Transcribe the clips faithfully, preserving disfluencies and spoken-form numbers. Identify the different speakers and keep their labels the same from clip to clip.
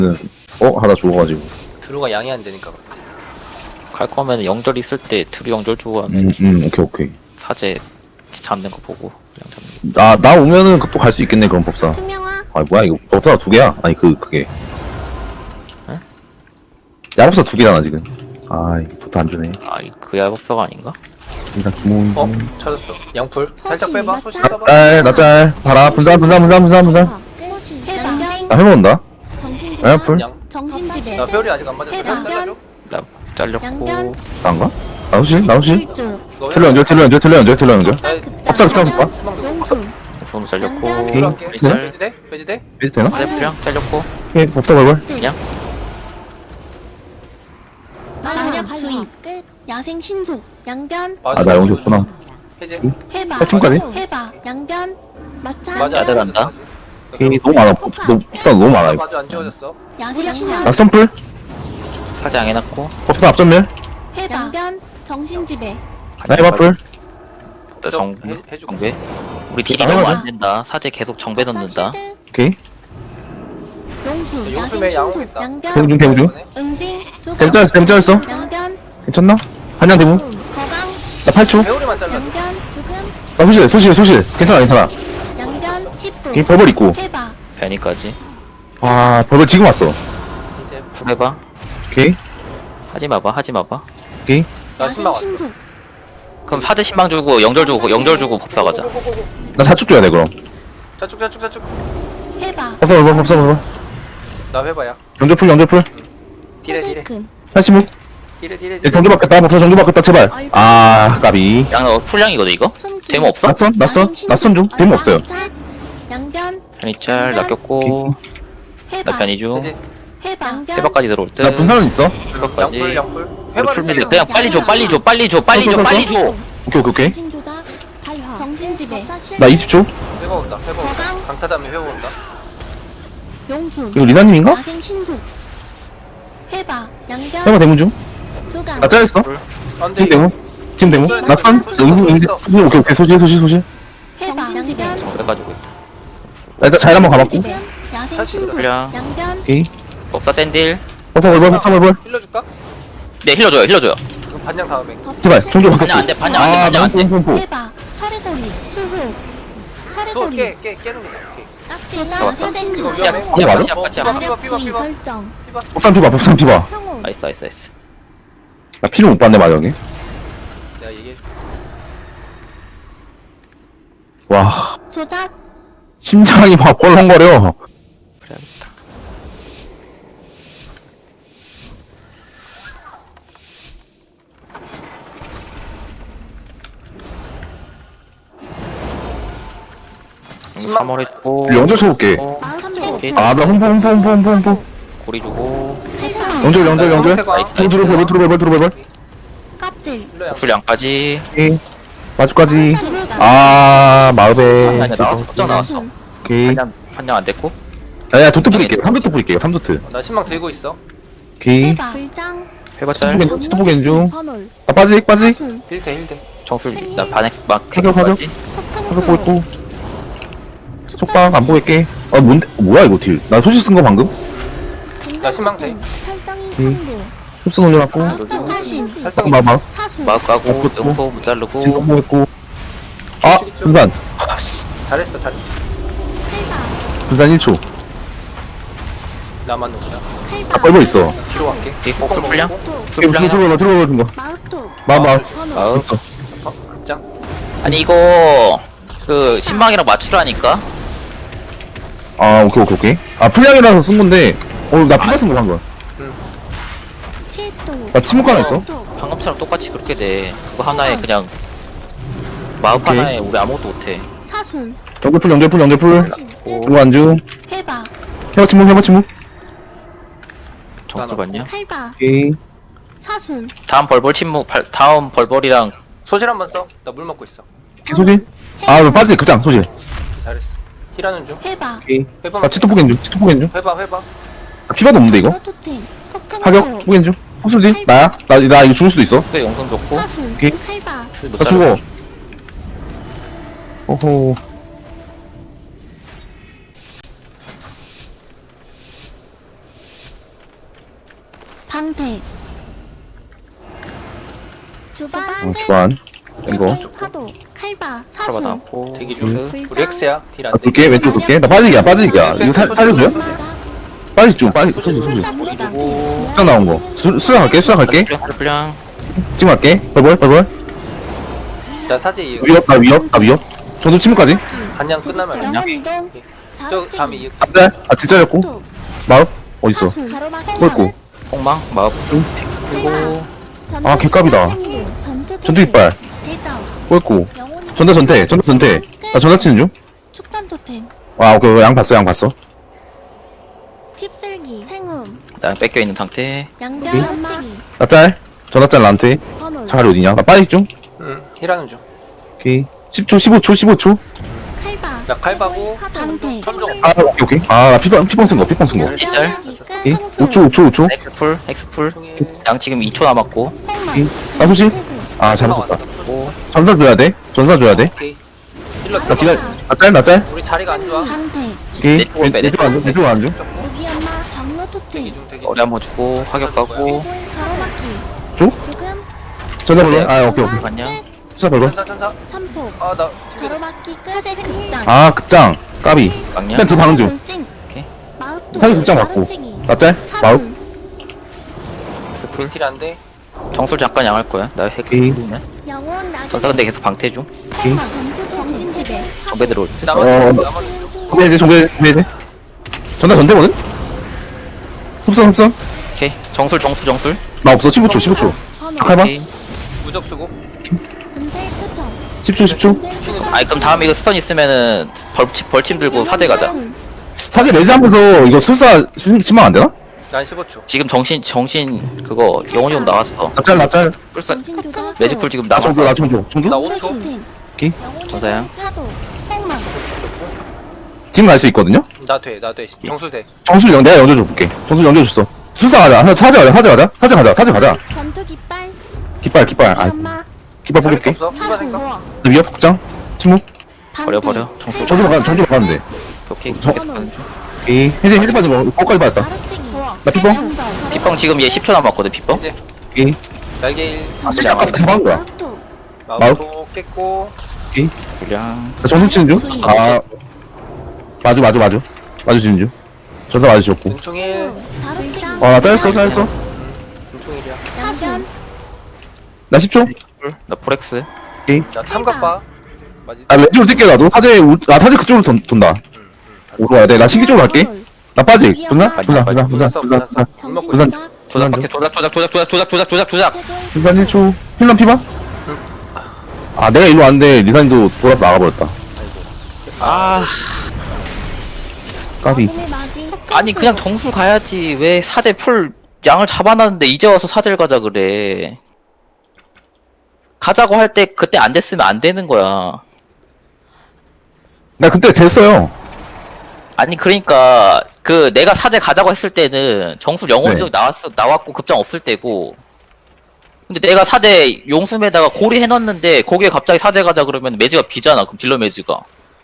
Speaker 1: 어? 하나 죽어가지고.
Speaker 2: 드루가 양이 안 되니까 그렇지.
Speaker 3: 갈 거면 영절 있을 때 둘이 영절 주고 하면
Speaker 1: 음, 음, 오케이, 오케이.
Speaker 3: 사제 잡는 거 보고 그냥 잡는
Speaker 1: 나, 나 오면은 또 갈 수 있겠네, 그럼 법사.
Speaker 4: 투명화
Speaker 1: 아, 뭐야, 이거. 법사가 두 개야? 아니, 그, 그게.
Speaker 3: 에?
Speaker 1: 야법사 두 개잖아, 지금. 아, 이거 도트 안 주네.
Speaker 3: 거. 아이 그 야법사가 아닌가?
Speaker 1: 일단 기본.
Speaker 2: 어? 찾았어. 양풀. 살짝
Speaker 4: 서시,
Speaker 2: 빼봐.
Speaker 4: 맞자?
Speaker 2: 소시 써봐.
Speaker 1: 짤, 나 짤. 봐라, 분산, 분산, 분산, 분산, 분산.
Speaker 4: 해방
Speaker 1: 나 해먹는다.
Speaker 4: 정신조화
Speaker 1: 야, 풀.
Speaker 2: 양.
Speaker 4: 정신지배
Speaker 2: 나 별이 아직 안 맞았어.
Speaker 4: 해봐.
Speaker 2: 별 잘라줘.
Speaker 3: 나 잘렸고
Speaker 4: 양변.
Speaker 1: 나인가? 나오실? 나오실?
Speaker 4: 일주
Speaker 2: 너
Speaker 1: 텔러 연결, 텔러 연결, 텔러 연결, 텔러 연결.
Speaker 2: 나
Speaker 1: 법사 급장 쓸까?
Speaker 4: 용수
Speaker 3: 손 잘렸고
Speaker 4: 양변.
Speaker 2: 별로 할게.
Speaker 3: 짤.
Speaker 2: 배지 돼? 배지 돼?
Speaker 1: 비슷 되나?
Speaker 3: 사제 풀량 잘렸고
Speaker 1: 오케이, 법사 걸걸.
Speaker 3: 그냥
Speaker 4: 마력 주입 야생 신속 양변
Speaker 1: 아, 나 영지 없구나.
Speaker 2: 해제.
Speaker 4: 해봐
Speaker 1: 해충까지?
Speaker 4: 해봐 양변 마차
Speaker 2: 맞아.
Speaker 3: 야들 한다.
Speaker 1: 오케이, 너무 많아. 법, 너, 법사 너무 많아, 이거.
Speaker 2: 맞아 안 지워졌어.
Speaker 4: 야생 신속
Speaker 1: 나 썸플?
Speaker 3: 사제 안 해놨고
Speaker 1: 법사 앞전멸?
Speaker 4: 해봐 양변 정신지배
Speaker 1: 나 해바풀?
Speaker 3: 나 정,
Speaker 2: 해- 해주고.
Speaker 3: 정배 우리 딜이
Speaker 1: 나가자.
Speaker 3: 너무 안 된다. 사제 계속 정배 넣는다.
Speaker 1: 오케이.
Speaker 4: 용수 야생
Speaker 2: 용숨에 양호
Speaker 4: 신속
Speaker 2: 있다.
Speaker 4: 양변
Speaker 1: 대문 중, 대문 중.
Speaker 4: 응징 조각
Speaker 1: 댐짤했어, 댐짤했어.
Speaker 4: 양변
Speaker 1: 괜찮나? 한양 대문?
Speaker 4: 거강
Speaker 1: 나 팔 초?
Speaker 2: 배우리만 잘라.
Speaker 4: 양변 죽음
Speaker 1: 나 소실, 소실, 소실. 괜찮아, 괜찮아.
Speaker 4: 양변 히프
Speaker 1: 오케이, 버블 있고.
Speaker 4: 해봐
Speaker 3: 변이까지
Speaker 1: 아, 버블 지금 왔어.
Speaker 2: 이제
Speaker 3: 풀 해봐.
Speaker 1: 오케이,
Speaker 3: 하지 마봐. 하지 마봐.
Speaker 1: 오케이.
Speaker 2: 나
Speaker 4: 야생
Speaker 2: 신망 왔어.
Speaker 4: 신속
Speaker 3: 그럼 사제 신망 주고 영절 주고 영절 주고 법사 가자.
Speaker 2: 고고고고.
Speaker 1: 나 사축 줘야 돼, 그럼.
Speaker 2: 자축 자축 자축.
Speaker 4: 해봐
Speaker 1: 법사 버블, 법사 버블.
Speaker 2: 나 회봐야.
Speaker 1: 연결풀, 연결풀.
Speaker 2: 딜해 딜해.
Speaker 4: 호세큰
Speaker 1: 팔십오.
Speaker 2: 딜해 딜해
Speaker 1: 예,
Speaker 2: 딜해.
Speaker 1: 경주 바뀌었다, 법사 경주 바뀌었다, 제발. 아, 까비.
Speaker 3: 양 너 풀량이거든 이거?
Speaker 4: 숨기
Speaker 3: 데모 없어?
Speaker 1: 낯선? 낯선? 낯선 중? 데모 없어요.
Speaker 4: 양변
Speaker 3: 변이짤 낚였고
Speaker 4: 해봐
Speaker 3: 나 변이 중.
Speaker 2: 해제.
Speaker 4: 해봐 양변
Speaker 3: 해박까지 들어올 듯.
Speaker 1: 나 분산은 있어.
Speaker 3: 해박까지.
Speaker 2: 양풀 양풀.
Speaker 3: 우리
Speaker 2: 회바를
Speaker 3: 풀미드
Speaker 2: 빼줘.
Speaker 3: 그냥 빨리 줘 빨리 줘 빨리 줘 빨리 줘 빨리 줘 빨리 줘.
Speaker 1: 오케이, 오케이, 오케이.
Speaker 4: 정신조작 발화 정신지배
Speaker 1: 나 이십 초.
Speaker 2: 회바 온다. 회바 온다.
Speaker 4: 거강.
Speaker 2: 강타 다음에 회바 온다.
Speaker 4: 용수
Speaker 1: 이거 리사님인가?
Speaker 4: 야생 신속 해봐 양변
Speaker 1: 해봐, 대문 중.
Speaker 4: 조각
Speaker 1: 나 짜였어.
Speaker 2: 안돼.
Speaker 1: 지금 대문. 지금 대문. 낯선? 응구, 응구. 오케이, 오케이. 소실, 소실, 소실.
Speaker 4: 해봐 양변
Speaker 3: 그래가지고 있다.
Speaker 1: 나 일단 잘 한번 가봤고.
Speaker 4: 야생
Speaker 2: 사실
Speaker 4: 신속
Speaker 3: 풀량.
Speaker 4: 양변
Speaker 1: 오케이.
Speaker 3: 법사 샌딜.
Speaker 1: 법사 버블, 법사 버블.
Speaker 2: 힐러 줄까?
Speaker 3: 네 힐러줘요 힐러줘요.
Speaker 2: 그럼 반장 다음에.
Speaker 1: 제발, 종조 바뀌었고.
Speaker 3: 반장 안돼 반장 안돼
Speaker 1: 아,
Speaker 3: 반장 안돼.
Speaker 1: pompo.
Speaker 4: 해봐 차례거리 수호
Speaker 2: 너
Speaker 4: 차례거리
Speaker 2: 깨, 깨, 깨는 거야. 오케이.
Speaker 4: 조작
Speaker 3: 잡았다.
Speaker 4: 야생
Speaker 2: 이거
Speaker 4: 신속
Speaker 2: 위험해.
Speaker 3: 야,
Speaker 1: 이거 맞아?
Speaker 3: 빠지야, 빠지야.
Speaker 2: 삐바,
Speaker 4: 마력
Speaker 2: 삐바,
Speaker 4: 주의
Speaker 2: 삐바.
Speaker 4: 설정
Speaker 1: 법산 피봐, 법산 피봐.
Speaker 4: 평온
Speaker 3: 나이스 나이스 나이스.
Speaker 1: 나 피를 못 봤네, 마정이.
Speaker 2: 내가 얘기해.
Speaker 1: 와,
Speaker 4: 조작
Speaker 1: 심장이 막 꼴렁거려.
Speaker 3: 그래야겠다.
Speaker 2: 신망.
Speaker 3: 삼월 했고
Speaker 1: 영절 쳐볼게.
Speaker 4: 마음도
Speaker 3: 오케이.
Speaker 1: 아, 나 홈포, 홈포, 홈포, 홈포, 홈포.
Speaker 3: 고리 주고
Speaker 4: 해봐
Speaker 1: 영절, 영절, 영절.
Speaker 3: 나이스.
Speaker 1: 들어, 들어, 들어, 들어, 들어, 들어.
Speaker 4: 껍질
Speaker 2: 힐러 양.
Speaker 3: 풀량까지.
Speaker 1: 오케이. 마주까지.
Speaker 4: 조작
Speaker 1: 아, 마을에.
Speaker 3: 아니 나왔어 걱정 나왔어.
Speaker 1: 오케이.
Speaker 3: 판장 판장 안 됐고.
Speaker 1: 야, 야, 도트 뿌릴게. 삼 도트 뿌릴게요, 삼 도트.
Speaker 2: 나 신망 들고 있어.
Speaker 1: 오케이.
Speaker 4: 해봐 불장
Speaker 3: 해봤자
Speaker 1: 스토 스토 보겐 중.
Speaker 4: 번홀
Speaker 1: 아, 빠지, 빠지.
Speaker 4: 사순
Speaker 2: 힐대 힐대.
Speaker 3: 정술 나 반엑 막
Speaker 1: 가격, 가격.
Speaker 3: 해봤지.
Speaker 1: 가서 보고 있고. 속박 안 보겠게. 아, 뭔데? 뭐야, 이거 딜. 나 소식 쓴 거 방금?
Speaker 2: 나 신망대.
Speaker 4: 설정이
Speaker 1: 음.
Speaker 4: 승부
Speaker 1: 흡수 올려놨고.
Speaker 4: 사신
Speaker 2: 살짝
Speaker 1: 막, 막.
Speaker 4: 사순
Speaker 3: 마크 가고
Speaker 1: 어, 또,
Speaker 3: 음포 못 자르고
Speaker 1: 진동 보겠고. 아, 분산. 아씨.
Speaker 2: 잘했어 잘했어.
Speaker 4: 칼바
Speaker 1: 분산 일 초.
Speaker 2: 나만 놓자.
Speaker 1: 아, 벌벌 있어.
Speaker 2: 뒤로 갈게.
Speaker 3: 이 복수 풀량? 풀
Speaker 1: 들어,
Speaker 3: 풀량
Speaker 1: 들어가, 들어가, 들어가.
Speaker 4: 마우토
Speaker 1: 마, 마.
Speaker 4: 번홀
Speaker 3: 아우.
Speaker 1: 있어.
Speaker 2: 어, 급장.
Speaker 3: 아니 이거 그 신망이랑 맞추라니까.
Speaker 1: 아, 오케이, 오케이, 오케이. 아, 풀량이라서 쓴 건데. 어, 나 피가 쓴거 방금.
Speaker 4: 칠도
Speaker 1: 나 침묵 하나 있어?
Speaker 3: 방금처럼 똑같이 그렇게 돼. 그거 하나에 그냥 마법
Speaker 1: 오케이.
Speaker 3: 하나에 우리 아무것도 못해.
Speaker 4: 사순
Speaker 1: 연결풀, 연결풀, 연결풀.
Speaker 4: 끝
Speaker 1: 이거 안주.
Speaker 4: 해봐
Speaker 1: 해봐 침묵, 해봐 침묵.
Speaker 3: 정수 봤냐?
Speaker 4: 칼바
Speaker 1: 오케이.
Speaker 4: 사순
Speaker 3: 다음 벌벌 침묵 발, 다음 벌벌이랑
Speaker 2: 소실 한번 써. 나 물 먹고 있어.
Speaker 1: 오케이, 소질. 아, 왜 빠지? 그장, 소질.
Speaker 2: 잘했어. 힐하는 중.
Speaker 4: 해봐
Speaker 1: 오케이.
Speaker 2: 회바.
Speaker 1: 나 치토 포겐 중, 치토 포겐 중.
Speaker 2: 회바 회바.
Speaker 1: 아, 피바도 없는데, 이거?
Speaker 4: 프로토템
Speaker 1: 하격, 포겐 중. 호수지? 나야? 나, 나 이거 죽을 수도 있어.
Speaker 3: 또 영성 좋고
Speaker 4: 사순
Speaker 1: 오케이.
Speaker 4: 칼바
Speaker 3: 못
Speaker 1: 나
Speaker 3: 자르고.
Speaker 1: 죽어. 오호.
Speaker 4: 방태. 주반.
Speaker 1: 어, 주반. 이거.
Speaker 4: 파도. 칼바.
Speaker 3: 카바
Speaker 4: 사순.
Speaker 3: 나왔고
Speaker 2: 대기 중.
Speaker 3: 스
Speaker 2: 우리 엑스야. 딜 안 돼.
Speaker 1: 돌게, 왼쪽 돌게. 나 빠지기야, 빠지기야. 이거 살, 살려줘요? 빠지 좀, 빠지. 소주, 소주.
Speaker 3: 그리고
Speaker 1: 수상 나온 거. 수, 수상 갈게, 수상 갈게.
Speaker 3: 풀량
Speaker 1: 지금 갈게. 벌벌, 벌벌.
Speaker 2: 나 사제 이거
Speaker 1: 위협, 나 위협, 나 위협. 저도 침묵까지.
Speaker 2: 한양 끝나면
Speaker 4: 영혼 이동.
Speaker 2: 저 다음에 이
Speaker 1: 네. 아, 뒷자렸고. 마법? 어딨어? 꼴고.
Speaker 3: 폭망 마법 그리고
Speaker 1: 아, 개값이다. 전투 이빨.
Speaker 4: 대장.
Speaker 1: 꼴고. 전자 전태, 전자 전태. 나 전자 치는 중.
Speaker 4: 축전 토템.
Speaker 1: 아, 오케이, 양 봤어, 양 봤어.
Speaker 4: 휩쓸기. 생음.
Speaker 3: 나 뺏겨 있는 상태.
Speaker 4: 양변 연치기.
Speaker 1: 나 짤. 전자 짤 나한테.
Speaker 4: 번홀.
Speaker 1: 자리 어디냐? 나 빠지 중.
Speaker 2: 응. 힐하는 중.
Speaker 1: 오케이. 십 초, 십오 초, 십오 초.
Speaker 4: 칼바.
Speaker 2: 나 칼바고
Speaker 4: 방태.
Speaker 2: 삼종.
Speaker 1: 아, 오케이, 오케이. 아, 나 피방, 피방 쓴 거, 피방 쓴 거.
Speaker 3: 짤.
Speaker 1: 오케이. 오 초, 오 초, 오 초.
Speaker 3: 엑스풀 엑스풀
Speaker 2: 총일.
Speaker 3: 양 지금 이 초 남았고
Speaker 1: 오케이. 나 소실? 아, 잘못했다.
Speaker 3: 오
Speaker 1: 전사 줘야 돼. 전사 줘야 돼.
Speaker 2: 오케이. 힐러
Speaker 1: 나 기다려.
Speaker 2: 들어가.
Speaker 1: 나 짤, 나 짤.
Speaker 2: 우리 자리가 안 좋아.
Speaker 4: 방태.
Speaker 1: 오케이.
Speaker 3: 내 쪽으로 빼, 내
Speaker 1: 내쪽 안 줘, 내쪽 안 줘.
Speaker 4: 무기 엄마. 경로
Speaker 2: 대기
Speaker 4: 토템.
Speaker 2: 중 대기
Speaker 3: 머리
Speaker 2: 중.
Speaker 3: 한번 주고 화격 가고
Speaker 4: 가로막기.
Speaker 1: 줘?
Speaker 4: 조금.
Speaker 1: 전사 벌벌. 아, 오케이, 오케이.
Speaker 3: 안녕
Speaker 1: 수사 벌벌.
Speaker 2: 천사 천사.
Speaker 4: 삼폭.
Speaker 2: 아나 튕겨.
Speaker 4: 가로막기 끝. 사제 극장.
Speaker 1: 아, 극장. 까비.
Speaker 3: 막냐
Speaker 1: 일단 두 방은 중.
Speaker 4: 돌진.
Speaker 3: 오케이.
Speaker 4: 마우토.
Speaker 1: 사제 극장 맞고.
Speaker 4: 가로치기.
Speaker 1: 나 짤. 마우.
Speaker 4: 사순.
Speaker 3: 엑스풀
Speaker 2: 딜안 돼.
Speaker 3: 정술 잠깐 양할 거야 나 핵
Speaker 1: 오케이.
Speaker 3: 네
Speaker 4: 영혼 낙엽.
Speaker 3: 전사 근데 계속 방태 중
Speaker 1: 오케이.
Speaker 4: 전투 정신지배.
Speaker 3: 정배 들어올 때
Speaker 2: 나만
Speaker 1: 어,
Speaker 2: 나만
Speaker 1: 정배 이제, 정배, 정배 이제. 전사 전대거든? 흡선, 흡선.
Speaker 3: 오케이 정술 정술 정술
Speaker 1: 나 없어. 십오 초, 십오 초. 잠깐만.
Speaker 3: 오케이.
Speaker 2: 무적 쓰고.
Speaker 4: 금세 투척.
Speaker 1: 십 초, 십 초.
Speaker 3: 아니 그럼 다음에 이거 스턴 있으면은 벌침, 벌침 들고 사대 가자
Speaker 1: 사실 레지 하면서 이거 술사 치면 안 되나?
Speaker 2: 난 십오 초.
Speaker 3: 지금 정신 정신 그거 영혼이 형 나왔어
Speaker 1: 나 짤, 나 짤.
Speaker 3: 불사
Speaker 4: 정신 조절.
Speaker 3: 매직풀 지금
Speaker 1: 나
Speaker 3: 남았어
Speaker 1: 정도, 나 정도. 정도?
Speaker 2: 나 오 초.
Speaker 1: 오케이.
Speaker 3: 전사양.
Speaker 4: 파도. 폭망.
Speaker 1: 지금 갈 수 있거든요?
Speaker 2: 나 돼. 나 돼. 정수 돼.
Speaker 1: 정술 영, 내가 연결 줄게. 정술 연결 줬어. 술사 가자. 사제 가자, 사제 가자. 사제 가자, 사제 가자.
Speaker 4: 전투 깃발.
Speaker 1: 깃발, 깃발. 아,
Speaker 4: 엄마.
Speaker 1: 깃발
Speaker 2: 자리
Speaker 1: 뽑을게.
Speaker 2: 없어. 힐바
Speaker 4: 사순.
Speaker 2: 생각.
Speaker 1: 위협 극장. 침묵.
Speaker 3: 버려 버려 정술
Speaker 1: 정수 가, 정수 가는데.
Speaker 3: 오케이
Speaker 1: 저-
Speaker 3: 계속 가는 중
Speaker 1: 오케이. 이제 힐 빠져. 거기까지 받았다.
Speaker 4: 가로치기.
Speaker 1: 나 피봉?
Speaker 3: 빗뻥 지금 얘 십 초 남았거든 빗뻥
Speaker 2: 이제
Speaker 1: 오케이.
Speaker 2: 날개 일.
Speaker 1: 아, 진짜 아까 다 박은 거야.
Speaker 2: 마우토 깼고.
Speaker 3: 그냥
Speaker 1: 나 정수 치는 중? 아. 마주, 마주, 마주. 마주 치는 중. 전사 마주 줬고.
Speaker 2: 눈총 일.
Speaker 4: 가로치기.
Speaker 1: 아, 나 짜였어, 짜였어.
Speaker 2: 눈총 일이야.
Speaker 4: 사변.
Speaker 1: 나 십 초.
Speaker 3: 나 포렉스
Speaker 2: 나 탐각 봐. 맞지?
Speaker 1: 아, 왼쪽으로 뛸게, 나도. 사제, 우- 아, 사제 그쪽으로 돈, 돈다. 오로 와야 돼. 나 신기 쪽으로 갈게. 나 빠지. 분사? 분사, 분사, 분사, 분사, 분사.
Speaker 4: 정신
Speaker 1: 우선-
Speaker 4: 조작.
Speaker 3: 조작 박해 조작 조작 조작 조작 조작 조작 조작 조작
Speaker 1: 일단 일 초. 힐런 피봐? 아, 내가 일로 왔는데, 리산이도 돌아서 나가버렸다.
Speaker 3: 아
Speaker 1: 까비.
Speaker 4: 어둠의 마귀.
Speaker 3: 아니 그냥 정술 가야지 왜 사제 풀 양을 잡아놨는데 이제 와서 사제를 가자 그래 가자고 할 때 그때 안 됐으면 안 되는 거야
Speaker 1: 나 그때 됐어요.
Speaker 3: 아니 그러니까 그 내가 사제 가자고 했을 때는 정술 영혼적
Speaker 1: 네.
Speaker 3: 나왔어 나왔고 급장 없을 때고 근데 내가 사제 용숨에다가 고리 해놨는데 거기에 갑자기 사제 가자 그러면 매지가 비잖아 그럼 딜러 매지가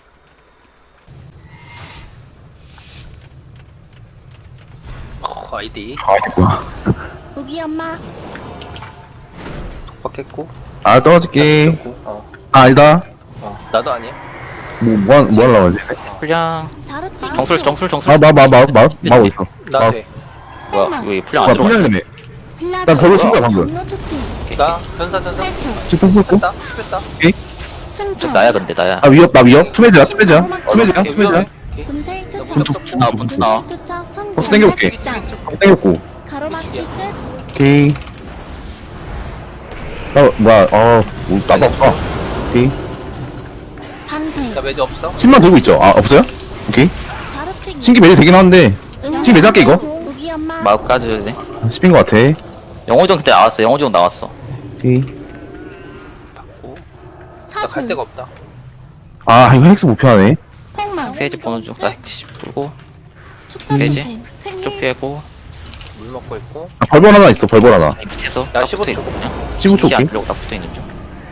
Speaker 2: 허, 아이디.
Speaker 1: 아, 됐구나.
Speaker 4: 무기 엄마.
Speaker 2: 독박했고.
Speaker 1: 아, 떨어질게.
Speaker 2: 어.
Speaker 1: 아, 아니다.
Speaker 2: 어. 나도 아니야.
Speaker 1: 뭐, 뭐, 하- 뭐 하려고 하지?
Speaker 3: 풀량
Speaker 4: 자루치기.
Speaker 3: 정술 정술 정술
Speaker 1: 아, 마, 마, 마, 마, 마, 어딨어?
Speaker 2: 나
Speaker 1: 아,
Speaker 2: 돼.
Speaker 3: 뭐야 왜 풀량
Speaker 1: 아,
Speaker 3: 안 들어가
Speaker 1: 풀렸네.
Speaker 4: 빌라도.
Speaker 1: 난 별로 쓴 거야, 방금.
Speaker 4: 경로 토템.
Speaker 2: 나 전사 전사.
Speaker 4: 탈퇴.
Speaker 1: 지금 풀고.
Speaker 2: 뺐다. 뺐다.
Speaker 4: 승천.
Speaker 3: 나야 근데 나야
Speaker 1: 아, 위협, 나 위협. 투매즈야, 투매즈야. 투매즈야,
Speaker 2: 오케이,
Speaker 1: 투매즈야.
Speaker 2: 위험해. 오케이.
Speaker 4: 금세
Speaker 2: 나
Speaker 4: 투척.
Speaker 2: 무적
Speaker 3: 분투 나 분투 나
Speaker 4: 금세 투척. 성공.
Speaker 1: 벌써 땡겨올게.
Speaker 4: 극장.
Speaker 1: 땡겼고.
Speaker 4: 가로막기 끝.
Speaker 1: 오케이. 나, 뭐야, 어, 뭐, 나도 없어. 오케이.
Speaker 4: 방태.
Speaker 2: 나 매드 없어.
Speaker 1: 십만 들고 있죠? 아, 없어요? 오케이.
Speaker 4: 자루치기.
Speaker 1: 신기 매일 되긴 하는데,
Speaker 4: 응.
Speaker 1: 지금 매장 할게, 이거?
Speaker 4: 무기 엄마.
Speaker 3: 마법 까줘야 돼
Speaker 1: 십인 것 같아.
Speaker 3: 영호정 그때 나왔어 영호정 나왔어
Speaker 1: 오케이.
Speaker 2: 받고. 나
Speaker 4: 사순.
Speaker 2: 갈 데가 없다.
Speaker 1: 아, 이거 헬스 목표하네.
Speaker 4: 폭망.
Speaker 3: 세이지 보는 중나 핵십 풀고
Speaker 4: 축전
Speaker 3: 세이지.
Speaker 4: 토템. 큰일.
Speaker 3: 쪽 피하고
Speaker 2: 물 먹고 있고.
Speaker 1: 아, 벌벌 하나 있어, 벌벌 하나.
Speaker 3: 밑에서
Speaker 2: 나
Speaker 3: 딱
Speaker 2: 십오 초.
Speaker 3: 붙어있거든요
Speaker 1: 십오 초
Speaker 3: 안
Speaker 1: 오케이.
Speaker 3: 들려고 딱 붙어있는 중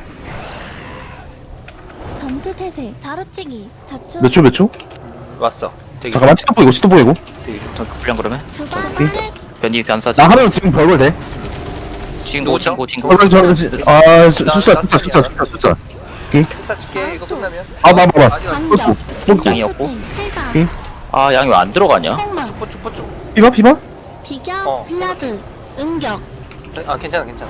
Speaker 4: 전투 태세. 자루치기. 자축.
Speaker 1: 몇 초, 몇 초?
Speaker 2: 왔어. 되게
Speaker 1: 잠깐만, 치도 보이고, 치도 보이고.
Speaker 2: 되게 좋다.
Speaker 3: 전 불량 그러면
Speaker 4: 주반.
Speaker 1: 오케이.
Speaker 4: 끝.
Speaker 3: 변이 변사지.
Speaker 1: 나 하면 지금 벌벌 돼?
Speaker 3: 지금 누구 친구 친구.
Speaker 1: 벌벌 저, 저, 아, 수- 숫자, 숫자, 숫자, 숫자, 숫자.
Speaker 2: 숫자 줄게 이거 끝나면.
Speaker 1: 아, 봐, 봐, 봐.
Speaker 2: 아직 안
Speaker 4: 반격
Speaker 1: 뽀뽀.
Speaker 3: 양이었고.
Speaker 4: 칼바
Speaker 1: 오케이.
Speaker 3: 아 양이 왜 안 들어가냐?
Speaker 4: 폭망
Speaker 2: 뽀쭉뽀쭉
Speaker 1: 피바, 피바?
Speaker 4: 비격
Speaker 2: 어.
Speaker 4: 블라드 응격
Speaker 2: 아 괜찮아 괜찮아.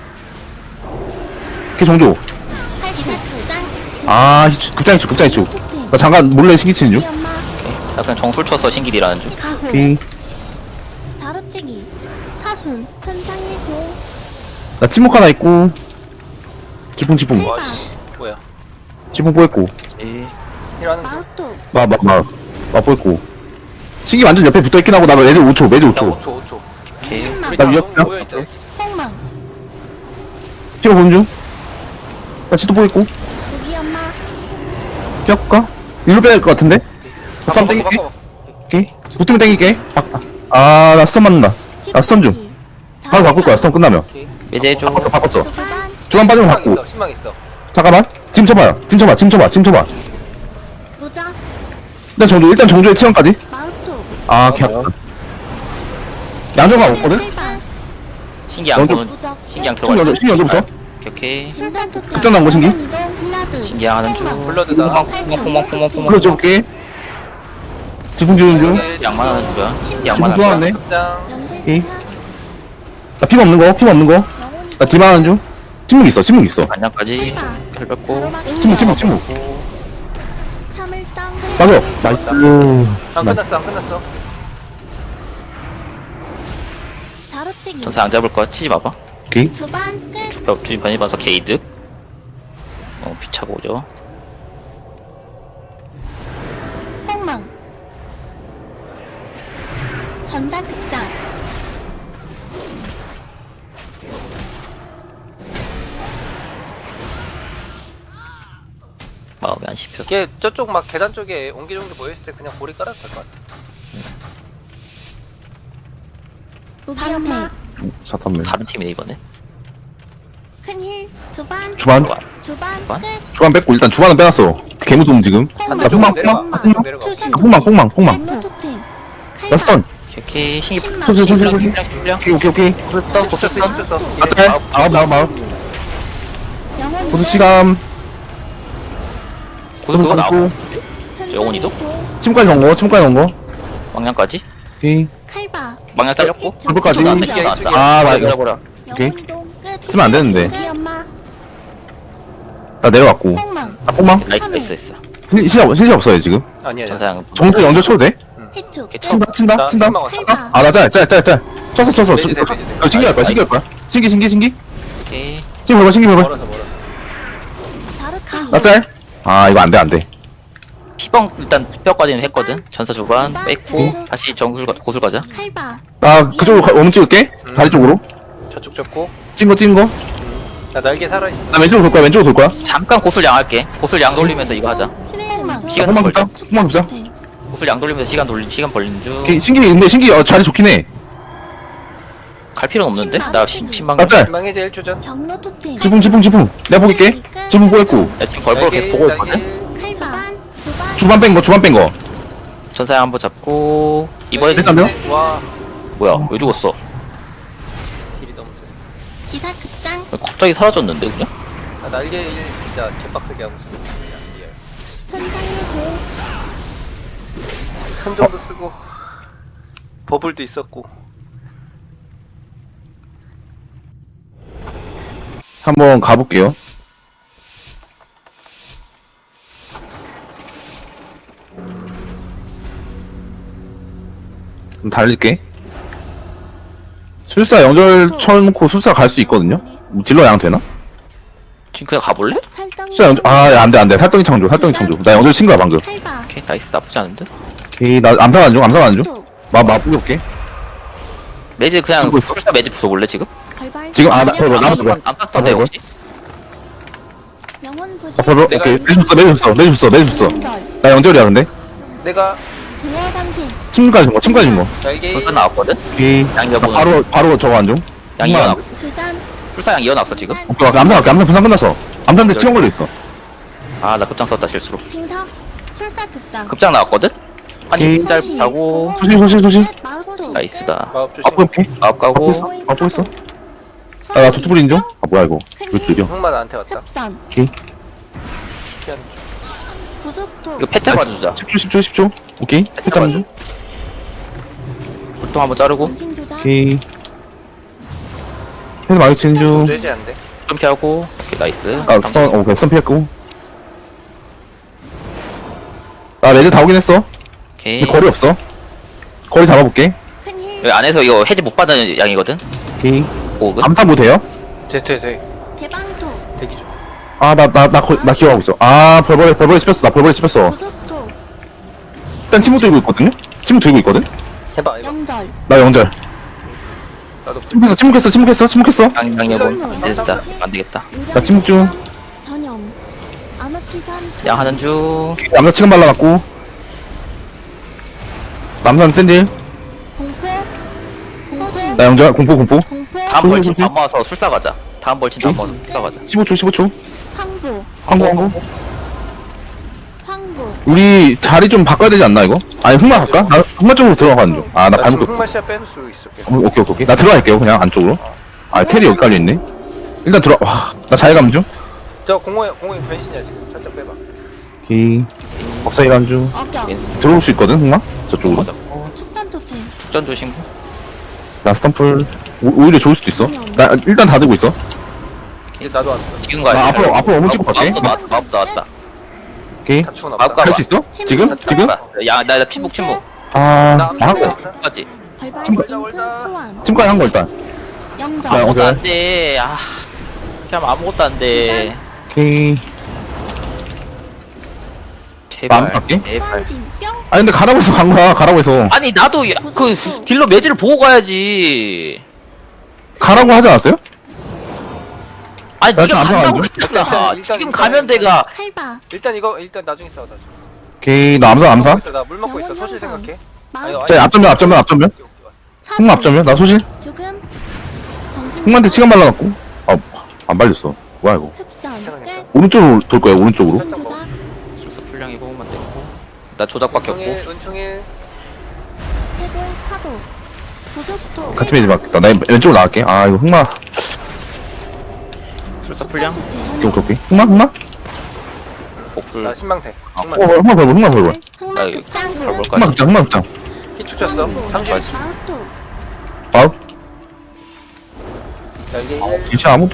Speaker 1: 걔 정조.
Speaker 4: 기사 초장
Speaker 1: 아, 히- 극장이축, 극장이축. 나 잠깐 몰래 신기 치는 중.
Speaker 4: 엄마
Speaker 3: 나 그냥 정술 쳐서 신길이라는 중.
Speaker 4: 가호
Speaker 1: 오케이.
Speaker 4: 자루찌기 사순 천상의 조
Speaker 1: 나 침묵 하나 있고. 지붕, 지붕.
Speaker 2: 와씨 뭐야?
Speaker 1: 지붕 뽀했고.
Speaker 3: 에이.
Speaker 2: 일하는 중.
Speaker 4: 마우토
Speaker 1: 마, 마, 마. 마 뽀했고. 신기 완전 옆에 붙어 있긴 하고, 나 매즈 오 초, 매즈 오
Speaker 2: 나
Speaker 1: 초.
Speaker 2: 오 초 오 초.
Speaker 3: 오케이.
Speaker 4: 신망
Speaker 2: 우리
Speaker 1: 나
Speaker 2: 다
Speaker 1: 위협-
Speaker 2: 너무 모여 있다.
Speaker 4: 폭망
Speaker 1: 피바 보는 중. 나 치도 뽀했고.
Speaker 4: 고기 엄마
Speaker 1: 피할까? 일로 빼야 될 것 같은데? 쌈
Speaker 2: 바꿔,
Speaker 1: 땡길게.
Speaker 2: 바꿔, 바꿔.
Speaker 1: 오케이. 붙으면 땡길게. 아, 아, 나 스턴 맞는다. 나 스턴 중. 바로 바꿀 거야, 스턴 끝나면.
Speaker 2: 오케이.
Speaker 3: 매제 좀.
Speaker 1: 바꿨어, 바꿨어.
Speaker 4: 주반
Speaker 1: 중간 빠지면
Speaker 2: 신망
Speaker 1: 바꾸.
Speaker 2: 있어 신망 있어.
Speaker 1: 잠깐만. 지금 쳐봐요. 지금 쳐봐, 지금 쳐봐, 지금 쳐봐.
Speaker 4: 무적
Speaker 1: 일단 정조, 일단 정조의 체험까지.
Speaker 4: 마우토
Speaker 1: 아, 개 아프다. 양조가 없거든?
Speaker 4: 칼바
Speaker 3: 신기 안
Speaker 1: 먼저-
Speaker 3: 보는.
Speaker 4: 무적
Speaker 3: 신기 안
Speaker 1: 신기
Speaker 3: 들어가.
Speaker 1: 언제, 신기 언제부터?
Speaker 3: 오케이 오케이.
Speaker 4: 술산 특장
Speaker 1: 극장 나온 거 신기?
Speaker 4: 이동 블라드
Speaker 3: 신기 하는 중.
Speaker 4: 폭망.
Speaker 2: 블러드다.
Speaker 3: 포망 포망 포망 포망 포망.
Speaker 1: 불러줄게. 지붕 지는 중.
Speaker 2: 오케이.
Speaker 3: 양만 하는 거야. 신기
Speaker 1: 지붕
Speaker 3: 양만 하는 거야.
Speaker 1: 좋아하네.
Speaker 2: 극장.
Speaker 4: 연쇄
Speaker 1: 오케이.
Speaker 4: 진화
Speaker 1: 나 피가 없는 거, 피가 없는 거.
Speaker 4: 영혼이
Speaker 1: 나 디마 하는 중. 침묵 있어, 침묵 있어.
Speaker 3: 반장까지. 잘 뺐고.
Speaker 1: 침묵, 침묵, 침묵.
Speaker 4: 참을성
Speaker 1: 맞아. 나이스.
Speaker 2: 안 끝났어 안 끝났어.
Speaker 4: 자루찌기
Speaker 3: 전사 안 잡을 거야. 치지 마봐.
Speaker 1: 오케이.
Speaker 4: 주반 끝
Speaker 3: 주변 주인 반이 봐서 게이드. 어 피차고 오죠.
Speaker 4: 폭망 전사극장
Speaker 3: 마음이 안 씹혀서.
Speaker 2: 이게 저쪽 막 계단 쪽에 옹기종기 모여 있을 때 그냥 고리 깔아도 될 것 같아.
Speaker 4: 반패
Speaker 1: 사탐네.
Speaker 3: 다른 팀이네 이번에.
Speaker 4: 큰힐 주반
Speaker 1: 주반.
Speaker 4: 주반
Speaker 3: 주반?
Speaker 4: 끝
Speaker 1: 주반 뺐고, 일단 주반은 빼놨어. 개무동 지금.
Speaker 4: 폭망
Speaker 1: 아, 폭망,
Speaker 2: 내려가.
Speaker 1: 폭망,
Speaker 2: 좀 내려가.
Speaker 4: 추신
Speaker 1: 아, 폭망, 폭망, 폭망.
Speaker 4: 엠노 토템
Speaker 1: 나 스턴.
Speaker 3: 오케이 오케이. 신기
Speaker 4: 신망
Speaker 1: 저, 저, 저, 저, 저.
Speaker 3: 신기랑 신기랑.
Speaker 1: 오케이, 오케이, 오케이.
Speaker 2: 또 고쳤어 고쳤어.
Speaker 1: 아, 짤. 아홉, 아홉, 아홉.
Speaker 4: 영혼
Speaker 1: 고수 시간.
Speaker 3: 고수 그거 나오고.
Speaker 4: 천상의
Speaker 3: 영혼이도?
Speaker 4: 조,
Speaker 1: 침까지 넣은 거, 침까지 넣은 거.
Speaker 3: 망냥까지.
Speaker 1: 오케이.
Speaker 4: 칼바
Speaker 3: 망냥 잘렸고.
Speaker 1: 불꽃까지.
Speaker 3: 안
Speaker 2: 이쪽이야,
Speaker 3: 나왔다.
Speaker 2: 이쪽이야.
Speaker 1: 아, 나 이거.
Speaker 3: 버려.
Speaker 1: 오케이.
Speaker 4: 영혼이동 끝
Speaker 1: 쓰면 안 되는데.
Speaker 4: 고기 엄마
Speaker 1: 나 내려왔고.
Speaker 4: 폭망
Speaker 1: 아, 폭망.
Speaker 3: 나이스 나이스 나이스.
Speaker 1: 실- 실력, 실력 없어요, 지금.
Speaker 2: 아니야. 아니야.
Speaker 3: 전사양.
Speaker 1: 정수 연결 쳐도 돼?
Speaker 4: 해축
Speaker 3: 오케이,
Speaker 1: 친다, 친다,
Speaker 2: 나
Speaker 1: 친다.
Speaker 2: 신망 왔어.
Speaker 4: 칼바
Speaker 1: 아, 나 짤, 짤, 짤, 짤. 쳤어, 쳤어.
Speaker 2: 매지 돼, 매지 돼.
Speaker 1: 어, 신기할 거야, 신기할 거야. 신기, 신기, 신기.
Speaker 3: 오케이.
Speaker 1: 신기 봐봐, 신기 봐봐.
Speaker 2: 멀어서 멀어서.
Speaker 4: 자루찌기
Speaker 1: 나 짤. 아, 이거 안 돼, 안 돼.
Speaker 3: 피방 일단 뼈까지는 했거든. 전사 주반 뺐고 다시 정술 가- 고술 가자.
Speaker 4: 칼바
Speaker 1: 나 그쪽으로 가- 오면 찍을게.
Speaker 2: 음.
Speaker 1: 다리 쪽으로.
Speaker 2: 저쪽 접고.
Speaker 1: 찐 거, 찐 거.
Speaker 2: 나 날개 살아 있어.
Speaker 1: 나 왼쪽으로 돌 거야, 왼쪽으로 돌 거야.
Speaker 3: 잠깐 고술 양할게. 고술 양 돌리면서 이거 하자.
Speaker 4: 폭망
Speaker 3: 시간
Speaker 1: 한번
Speaker 3: 벌자.
Speaker 1: 급자, 한번 급자.
Speaker 3: 고술 양 돌리면서 시간 돌리 시간 벌리는 중.
Speaker 1: 오케이, 신기, 근데 신기 어, 자리 좋긴 해.
Speaker 3: 갈 필요는 없는데? 나 신- 신방.
Speaker 1: 나 짤.
Speaker 2: 신망해제 일 초 전.
Speaker 4: 경로 토템
Speaker 1: 지붕, 지붕, 지붕. 내가 보길게. 지붕 보였고.
Speaker 3: 나 지금 벌벌 계속 보고 있거든.
Speaker 4: 칼바 주반 주반
Speaker 1: 주반 뺀 거, 주반 뺀 거.
Speaker 3: 전사양 한번 잡고 이번에
Speaker 1: 일단 몇?
Speaker 2: 와
Speaker 3: 뭐야? 왜 죽었어?
Speaker 2: 딜이 너무 셌어.
Speaker 4: 기사 극장
Speaker 3: 왜 갑자기 사라졌는데 그냥?
Speaker 2: 나 날개 일 진짜 개빡세게 하고 있어. 리얼.
Speaker 4: 천상의 조
Speaker 2: 천정도 쓰고 버블도 있었고.
Speaker 1: 한번 가볼게요. 좀 달릴게. 술사 연결 쳐놓고 술사 갈 수 있거든요? 뭐 딜러 양 되나?
Speaker 3: 지금 그냥 가볼래?
Speaker 4: 살덩이
Speaker 1: 술사 연결, 아, 야, 안 돼, 안 돼. 살덩이 창조, 살덩이 창조. 나 연결 친 거야, 방금.
Speaker 4: 칼바
Speaker 3: 오케이 나이스 나쁘지 않은데?
Speaker 1: 오케이, 나 암살하는 중, 암살하는 중.
Speaker 4: 또
Speaker 1: 마, 마, 뿌려볼게.
Speaker 3: 매즈 그냥
Speaker 1: 들고 있어?
Speaker 3: 풀사 매즈 부숴볼래 지금?
Speaker 4: 발발
Speaker 1: 지금, 아, 나, 벌벌, 나만 벌벌.
Speaker 3: 안 땄던데
Speaker 1: 벌벌.
Speaker 3: 혹시?
Speaker 4: 영혼 보시
Speaker 1: 아, 벌벌,
Speaker 2: 내가
Speaker 1: 오케이. 내줬어, 내줬어, 내줬어, 내줬어.
Speaker 4: 연절
Speaker 1: 나 연결이야, 근데.
Speaker 2: 내가
Speaker 4: 부여 상태
Speaker 1: 침까지 준 거, 침까지 준 거.
Speaker 2: 날개
Speaker 3: 전사 나왔거든?
Speaker 1: 오케이.
Speaker 3: 양
Speaker 1: 나
Speaker 3: 여보는
Speaker 1: 바로, 바로 저거 안 중.
Speaker 3: 양 이어놨고
Speaker 4: 주잔
Speaker 3: 풀사양 이어놨어 지금?
Speaker 1: 오케이, 암살할게, 암살 분산 끝났어. 암살인데 치원 걸려 있어.
Speaker 3: 아 나 급장 썼다 실수로.
Speaker 4: 징석 술사 극장
Speaker 3: 급장 나왔거든? 아니
Speaker 1: 오케이.
Speaker 3: 짧다고
Speaker 1: 소실 소실 소실.
Speaker 4: 마우토.
Speaker 3: 나이스다.
Speaker 2: 마법 조심.
Speaker 1: 아프 오케이.
Speaker 3: 마법
Speaker 1: 아프
Speaker 3: 가고
Speaker 1: 있어. 아프 있어. 아, 나 도트 뿌린 중? 아, 뭐야, 이거. 왜 이렇게 느려?
Speaker 2: 흑마 나한테 왔다.
Speaker 4: 흡선.
Speaker 1: 오케이.
Speaker 2: 피하는 중.
Speaker 4: 구속토.
Speaker 3: 이거 패트 봐주자.
Speaker 1: 십 초, 십 초, 십 초. 오케이. 패자만 중.
Speaker 3: 불통 한번 자르고
Speaker 4: 정신 조작.
Speaker 1: 오케이. 헤드 많이 치는 중.
Speaker 2: 뇌지 안 돼.
Speaker 3: 좀 피하고 오케이 나이스.
Speaker 1: 아, 스턴, 어, 그냥 스턴 피했고. 나 레드 다 오긴 했어.
Speaker 3: 오케이.
Speaker 1: 근데 거리 없어. 거리 잡아볼게.
Speaker 4: 큰 힐.
Speaker 3: 여기 안에서 이거 해지 못 받는 양이거든.
Speaker 1: 오케이.
Speaker 3: 오근.
Speaker 1: 암사 뭐 돼요?
Speaker 2: 제트에 대
Speaker 4: 대방토.
Speaker 2: 대기 중.
Speaker 1: 아, 나, 나, 나, 거, 나 기억하고 있어. 아, 벌벌, 벌벌 씹혔어. 나 벌벌 씹혔어.
Speaker 4: 구속토.
Speaker 1: 일단 침묵 들고 있거든요? 침묵 들고 있거든?
Speaker 2: 해봐 해봐.
Speaker 4: 영절.
Speaker 1: 나 영절.
Speaker 2: 나도
Speaker 1: 침묵했어, 침묵했어, 침묵했어, 침묵했어.
Speaker 3: 양양여본 됐다. 안 되겠다.
Speaker 1: 나 침묵 중.
Speaker 4: 전염. 아마치산.
Speaker 3: 양 하는 중.
Speaker 1: 남자 치금 발라놨고. 남산 샌딜.
Speaker 4: 공포. 공포.
Speaker 1: 나 영절, 공포, 공포.
Speaker 4: 공포.
Speaker 3: 다음
Speaker 1: 조심,
Speaker 3: 벌친
Speaker 1: 조심.
Speaker 3: 다 모아서 술사 가자. 다음 벌친 다 모아서 술사 가자.
Speaker 1: 십오 초, 십오 초.
Speaker 4: 황보.
Speaker 1: 항구, 항구.
Speaker 4: 황보.
Speaker 1: 우리 자리 좀 바꿔야 되지 않나, 이거? 아니, 흑마 갈까? 나 흑마 쪽으로 들어가는 중. 아, 나
Speaker 2: 나
Speaker 1: 발목
Speaker 2: 지금 흑마 씨앗 빼놓을 수 있어. 계속.
Speaker 1: 어, 오케이, 오케이, 오케이. 나 들어갈게요, 그냥 안쪽으로. 아, 텔이 여기 깔려있네. 일단 들어, 와, 나 자해감 중.
Speaker 2: 저 공호에 공호에 변신이야 지금. 살짝 빼봐.
Speaker 1: 오케이. 법사 일한 중.
Speaker 4: 어격.
Speaker 1: 들어올 수 있거든, 흑마? 저쪽으로.
Speaker 3: 맞아.
Speaker 4: 축전 토템.
Speaker 3: 축전 조심.
Speaker 1: 나 스탬플. 오, 오히려 좋을 수도 있어. 나 일단 다 들고 있어.
Speaker 2: 이제 나도 왔어.
Speaker 3: 지금 가야
Speaker 1: 나
Speaker 3: 돼.
Speaker 1: 앞으로, 앞으로 어물 찍고 갈게.
Speaker 3: 마법 나왔다. 마법 나왔다.
Speaker 1: 오케이.
Speaker 2: 다 추고
Speaker 3: 아,
Speaker 2: 나왔다.
Speaker 3: 까-
Speaker 1: 할 수 있어? 지금? 지금?
Speaker 3: 야나 나 피복 침묵.
Speaker 1: 아,
Speaker 2: 나
Speaker 1: 나 하고.
Speaker 3: 까지.
Speaker 4: 발발.
Speaker 1: 침묵.
Speaker 4: 잉크 소환.
Speaker 1: 침까지 한 거 일단.
Speaker 4: 영절.
Speaker 1: 아,
Speaker 3: 아무것도
Speaker 1: 오케이.
Speaker 3: 안 돼. 아. 그냥 아무것도 안 돼.
Speaker 1: 오케이.
Speaker 3: 제발.
Speaker 1: 마음 갈게.
Speaker 3: 제발.
Speaker 4: 소환진. 뿅.
Speaker 1: 아, 근데 가라고 해서 간 거야, 가라고 해서.
Speaker 3: 아니 나도 야, 그 딜러 매지를 보고 가야지.
Speaker 1: 가라고 하지 않았어요?
Speaker 3: 아니
Speaker 1: 나
Speaker 3: 네가
Speaker 1: 안
Speaker 3: 간다고
Speaker 1: 가는데?
Speaker 3: 그랬잖아.
Speaker 2: 일단, 일단,
Speaker 3: 지금
Speaker 2: 일단,
Speaker 3: 가면
Speaker 2: 일단.
Speaker 3: 내가
Speaker 4: 칼바.
Speaker 2: 일단 이거 일단 나중에 싸워 나중에.
Speaker 1: 오케이. 나 암사, 암사.
Speaker 2: 나물 먹고 있어. 소실 생각해. 아니,
Speaker 4: 마우.
Speaker 2: 아니,
Speaker 1: 자, 앞전면, 앞전면, 앞전면.
Speaker 2: 오케이, 오케이, 왔어.
Speaker 1: 흑마 앞전면. 나 소실.
Speaker 4: 죽음. 정신.
Speaker 1: 흑마한테 시간 발라갖고. 아, 안 발렸어. 뭐야, 이거.
Speaker 4: 흡선.
Speaker 2: 괜찮아, 괜찮아.
Speaker 4: 끝.
Speaker 1: 오른쪽으로 돌 거야, 오른쪽으로.
Speaker 4: 정신 조작.
Speaker 3: 술사 풀량이 보면 되고. 나 조작밖에 없고.
Speaker 2: 은총일 은총일.
Speaker 4: 태블 파도. 구속토.
Speaker 1: 같이 매지 맞겠다. 나 왼쪽으로 나갈게. 아, 이거 흑마.
Speaker 3: 술사 풀량.
Speaker 1: 오케이, 오케이, 오케이. 흑마, 흑마?
Speaker 3: 복술.
Speaker 2: 나 신망태.
Speaker 1: 어,
Speaker 2: 흑마.
Speaker 1: 흑마 벌벌, 흑마 벌벌.
Speaker 3: 나
Speaker 4: 흑마
Speaker 3: 이거
Speaker 4: 극장.
Speaker 3: 벌벌
Speaker 1: 흑마
Speaker 3: 까지.
Speaker 1: 극장, 흑마 극장.
Speaker 2: 피축 쳤어. 삼십.
Speaker 3: 나이스.
Speaker 4: 마우토.
Speaker 1: 아우,
Speaker 2: 자 이게
Speaker 1: 진짜 아무도.